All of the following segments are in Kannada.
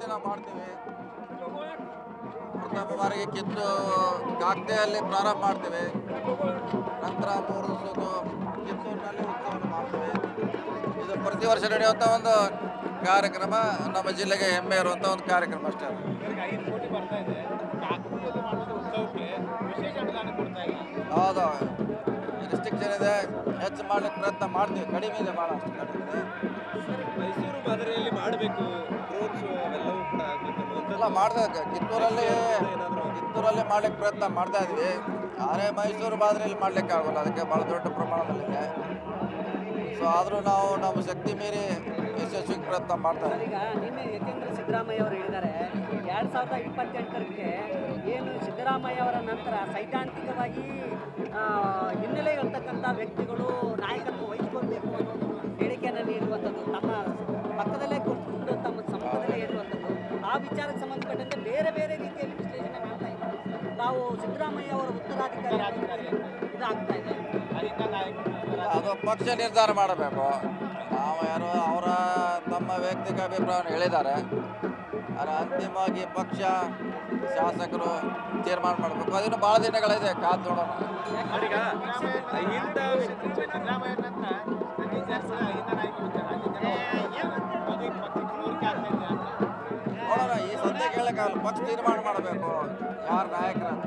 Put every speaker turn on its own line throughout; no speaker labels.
ನಾವು ಮಾಡ್ತೀವಿ. ಪ್ರಥಮ ಬಾರಿಗೆ ಕಾಗ್ದೆಯಲ್ಲಿ ಪ್ರಾರಂಭ ಮಾಡ್ತೀವಿ. ನಂತರ 3 ದಿವಸದ್ದು ಕಿತ್ತೂರಿನಲ್ಲಿ ಉತ್ಸವವನ್ನು ಮಾಡ್ತೀವಿ. ಇದು ಪ್ರತಿ ವರ್ಷ ನಡೆಯುವಂಥ ಒಂದು ಕಾರ್ಯಕ್ರಮ, ನಮ್ಮ ಜಿಲ್ಲೆಗೆ ಹೆಮ್ಮೆ ಇರುವಂಥ ಒಂದು ಕಾರ್ಯಕ್ರಮ ಅಷ್ಟೇ. ಹೌದು, ರಿಸ್ಟ್ರಿಕ್ಷನ್ ಇದೆ, ಹೆಚ್ಚು ಮಾಡ್ಲಿಕ್ಕೆ ಪ್ರಯತ್ನ ಮಾಡ್ತೀವಿ. ಕಡಿಮೆ ಇದೆ, ಭಾಳ ಅಷ್ಟು ಕಡಿಮೆ ಇದೆ.
ಮೈಸೂರು ಮಾದರಿಯಲ್ಲಿ ಮಾಡಬೇಕು ರೋಡ್ ಶೋ ಅವೆಲ್ಲವೂ ಕೂಡ
ಎಲ್ಲ ಮಾಡ್ತಾ ಕಿತ್ತೂರಲ್ಲಿ ಮಾಡ್ಲಿಕ್ಕೆ ಪ್ರಯತ್ನ ಮಾಡ್ತಾ ಇದ್ವಿ. ಆದರೆ ಮೈಸೂರು ಮಾದರಿಯಲ್ಲಿ ಮಾಡ್ಲಿಕ್ಕೆ ಆಗೋಲ್ಲ, ಅದಕ್ಕೆ ಭಾಳ ದೊಡ್ಡ ಪ್ರಮಾಣದಲ್ಲಿದೆ. ಸೊ ಆದರೂ ನಾವು ನಮ್ಮ ಶಕ್ತಿ ಮೀರಿ ಯಶಸ್ವಿಗೆ ಪ್ರಯತ್ನ ಮಾಡ್ತಾ ಇದ್ದೀವಿ.
ಈಗ ನಿನ್ನೆ ಯತೀಂದ್ರ ಸಿದ್ದರಾಮಯ್ಯ ಅವರು ಹೇಳಿದ್ದಾರೆ 2028ಕ್ಕೆ ಏನು ಸಿದ್ದರಾಮಯ್ಯ ಅವರ ನಂತರ ಸೈದ್ಧಾಂತಿಕವಾಗಿ ಹಿನ್ನೆಲೆ ಇರ್ತಕ್ಕಂಥ ವ್ಯಕ್ತಿಗಳು ನಾಯಕತ್ವ ವಹಿಸಿಕೊಳ್ಬೇಕು ಅನ್ನೋ ಹೇಳಿಕೆಯನ್ನು ನೀಡುವಂಥದ್ದು, ತಮ್ಮ ಪಕ್ಕದಲ್ಲೇ ಕೂತ್ಕೊಂಡು ತಮ್ಮ ಸಮ್ಮುಖದಲ್ಲೇ ಹೇಳುವಂಥದ್ದು, ಆ ವಿಚಾರಕ್ಕೆ ಸಂಬಂಧಪಟ್ಟಂತೆ ಬೇರೆ ಬೇರೆ ರೀತಿಯಲ್ಲಿ ವಿಶ್ಲೇಷಣೆ ಮಾಡ್ತಾ ಇದ್ದಾರೆ. ತಾವು ಸಿದ್ದರಾಮಯ್ಯ ಅವರ ಉತ್ತರಾಧಿಕಾರಿ ಇದಾಗ್ತಾ ಇದೆ.
ಅದು ಪಕ್ಷ ನಿರ್ಧಾರ ಮಾಡಬೇಕು. ನಾವು ಯಾರು ಅವರ ತಮ್ಮ ವೈಯಕ್ತಿಕ ಅಭಿಪ್ರಾಯವನ್ನು ಹೇಳಿದ್ದಾರೆ, ಆದರೆ ಅಂತಿಮವಾಗಿ ಪಕ್ಷ ಶಾಸಕರು ತೀರ್ಮಾನ ಮಾಡಬೇಕು. ಅದನ್ನು ಭಾಳ ದಿನಗಳಿದೆ, ಕಾದು ನೋಡೋಣ. ನೋಡೋಣ, ಈ ಸದ್ಯಕ್ಕೆ ಹೇಳಕ್ಕಾಗಲ್ಲ. ಪಕ್ಷ ತೀರ್ಮಾನ ಮಾಡಬೇಕು ಯಾರು ನಾಯಕರಂತ.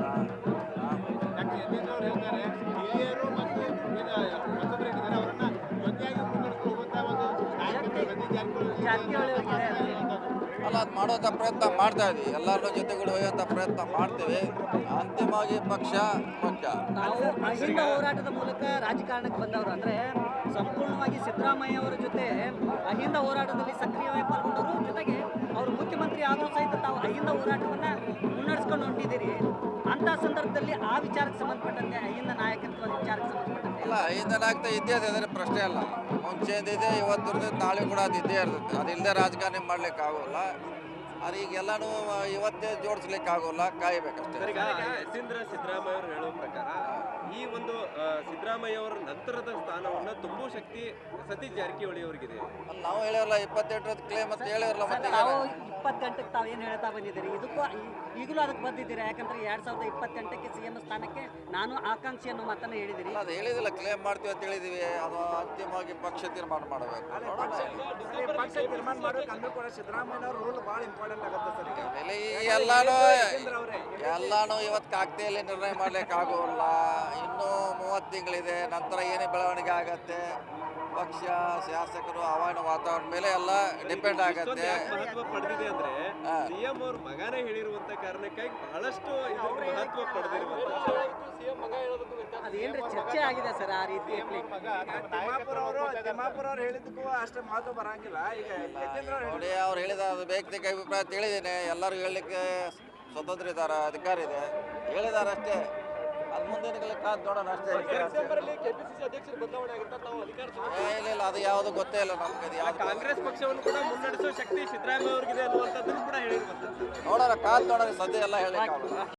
ಅಲ್ಲ, ಅದು ಮಾಡುವಂಥ ಪ್ರಯತ್ನ ಮಾಡ್ತಾ ಇದ್ವಿ. ಎಲ್ಲರ ಜೊತೆಗೂಡಿ ಒಯ್ಯುವಂಥ ಪ್ರಯತ್ನ ಮಾಡ್ತೀವಿ. ಅಂತಿಮವಾಗಿ ಪಕ್ಷ ಮುಖ್ಯ.
ನಾವು ಅಹಿಂದ ಹೋರಾಟದ ಮೂಲಕ ರಾಜಕಾರಣಕ್ಕೆ ಬಂದವರು, ಅಂದರೆ ಸಂಪೂರ್ಣವಾಗಿ ಸಿದ್ದರಾಮಯ್ಯ ಅವರ ಜೊತೆ ಅಹಿಂದ ಹೋರಾಟದಲ್ಲಿ ಸಕ್ರಿಯವಾಗಿ ಪಾಲ್ಗೊಂಡವರು, ಜೊತೆಗೆ ಅವರು ಮುಖ್ಯಮಂತ್ರಿ ಆದರೂ ಸಹಿತ ತಾವು ಅಹಿಂದ ಹೋರಾಟವನ್ನು ಮುನ್ನಡೆಸ್ಕೊಂಡು ಹೊಂಟಿದ್ದೀರಿ. ಅಂಥ ಸಂದರ್ಭದಲ್ಲಿ ಆ ವಿಚಾರಕ್ಕೆ ಸಂಬಂಧಪಟ್ಟಂತೆ ಅಹಿಂದ ನಾಯಕತ್ವದ ವಿಚಾರಕ್ಕೆ ಸಂಬಂಧಪಟ್ಟಂತೆ
ಅಲ್ಲ, ಅಹಿಂದ ನಾಯಕತ್ವ ಇದ್ದೇ ಇದೆ, ಅದರ ಪ್ರಶ್ನೆ ಅಲ್ಲ. ಮುಂಚೆದಿದೆ, ಇವತ್ತು ಇರ್ತದೆ, ನಾಳೆ ಕೂಡ ಅದು ಇದ್ದೇ ಇರ್ತದೆ. ಅದಿಲ್ಲದೆ ರಾಜಕಾರಣ ಮಾಡ್ಲಿಕ್ಕೆ ಆಗೋಲ್ಲ. ಆದರೆ ಈಗೆಲ್ಲನೂ ಇವತ್ತೇ ಜೋಡಿಸ್ಲಿಕ್ಕೆ ಆಗೋಲ್ಲ, ಕಾಯಬೇಕಷ್ಟೇ.
ಯತೀಂದ್ರ ಸಿದ್ದರಾಮಯ್ಯ ಅವರು ಹೇಳುವ ಪ್ರಕಾರ ಈ ಒಂದು ಸಿದ್ದರಾಮಯ್ಯ ಅವರ ನಂತರದ ಸ್ಥಾನವನ್ನು ತುಂಬುವ ಶಕ್ತಿ ಸತೀಶ್ ಜಾರಕಿಹೊಳಿ ಅವರಿಗಿದೆ.
ನಾವು ಹೇಳಿರಲ್ಲ 28 ಕ್ಲೇಮ್ ಅಂತ ಹೇಳಿರಲ್ಲ. ಮತ್ತೆ
ತಾವು 28ಕ್ಕೆ ತಾವೇನು ಹೇಳ್ತಾ ಬಂದಿದ್ದೀರಿ, ಇದಕ್ಕೂ ಈಗಲೂ ಅದಕ್ಕೆ ಬಂದಿದ್ದೀರಾ? ಯಾಕಂದ್ರೆ 2028ಕ್ಕೆ CM ಸ್ಥಾನಕ್ಕೆ ನಾನು ಆಕಾಂಕ್ಷಿ ಅನ್ನೋ ಮಾತನ್ನು ಹೇಳಿದಿರಿ.
ಅದು ಹೇಳಿದಿಲ್ಲ, ಕ್ಲೇಮ್ ಮಾಡ್ತೀವಿ ಅಂತ ಹೇಳಿದೀವಿ. ಅದು ಅಂತಿಮವಾಗಿ ಪಕ್ಷ ತೀರ್ಮಾನ ಮಾಡಬೇಕು.
ತೀರ್ಮಾನ ಮಾಡಬೇಕು ಅಂದ್ರೂ ಕೂಡ ಸಿದ್ದರಾಮಯ್ಯ ರೂಲ್ ಭಾಳ ಇಂಪಾರ್ಟೆಂಟ್ ಆಗುತ್ತೆ ಸರ್.
ಎಲ್ಲಾನು ಇವತ್ತು ಕಾಗ್ದೆಯಲ್ಲಿ ನಿರ್ಣಯ ಮಾಡ್ಲಿಕ್ಕೆ ಆಗೋಲ್ಲ. ಇನ್ನೂ 30 ತಿಂಗಳಿದೆ, ನಂತರ ಏನೇ ಬೆಳವಣಿಗೆ ಆಗತ್ತೆ, ಪಕ್ಷ ಶಾಸಕರು ಹವಾಮಾನ ವಾತಾವರಣ ಮೇಲೆ ಎಲ್ಲ ಡಿಪೆಂಡ್ ಆಗತ್ತೆ.
ಮಹತ್ವ ಪಡೆದಿದೆ ಅಂದ್ರೆ ಸಿಎಂ ಅವ್ರ ಮಗನೇ ಹೇಳಿರುವಂತ ಕಾರಣಕ್ಕಾಗಿ ಬಹಳಷ್ಟು ಮಹತ್ವ ಪಡೆದಿರುವಂತ
ಅದೇನ್ರಿ ಚರ್ಚೆ ಆಗಿದೆ ಸರ್ ಆ ರೀತಿ.
ತಿಮ್ಮಾಪುರ ಅವ್ರು ಹೇಳಿದ್ದಕ್ಕೂ ಅಷ್ಟೇ ಮಹತ್ವ ಬರಂಗಿಲ್ಲ. ಈಗ
ನೋಡಿ, ಅವ್ರು ಹೇಳಿದ ವೈಯಕ್ತಿಕ ಅಭಿಪ್ರಾಯ ತಿಳಿದೇನೆ. ಎಲ್ಲರೂ ಹೇಳಲಿಕ್ಕೆ ಸ್ವತಂತ್ರ ಇದ್ದಾರೆ, ಅಧಿಕಾರ ಇದೆ, ಹೇಳಿದ್ದಾರೆ ಅಷ್ಟೇ. ಅದು ಮುಂದಿನ ಕಾದು ನೋಡೋಣ ಅಷ್ಟೇ. ಇಲ್ಲ, ಅದು ಯಾವುದು ಗೊತ್ತೇ ಇಲ್ಲ ನಮ್ಗೆ.
ಕಾಂಗ್ರೆಸ್ ಪಕ್ಷವನ್ನು ಕೂಡ ಮುನ್ನಡೆಸುವ ಶಕ್ತಿ ಸಿದ್ದರಾಮಯ್ಯ ಅವರಿಗಿದೆ ಅನ್ನುವಂಥದ್ದನ್ನು ಕೂಡ ಹೇಳಿರುವಂಥದ್ದು.
ನೋಡೋಣ, ಕಾದು ನೋಡೋಣ, ಸದ್ಯ ಎಲ್ಲ ಹೇಳಲಿಕ್ಕೆ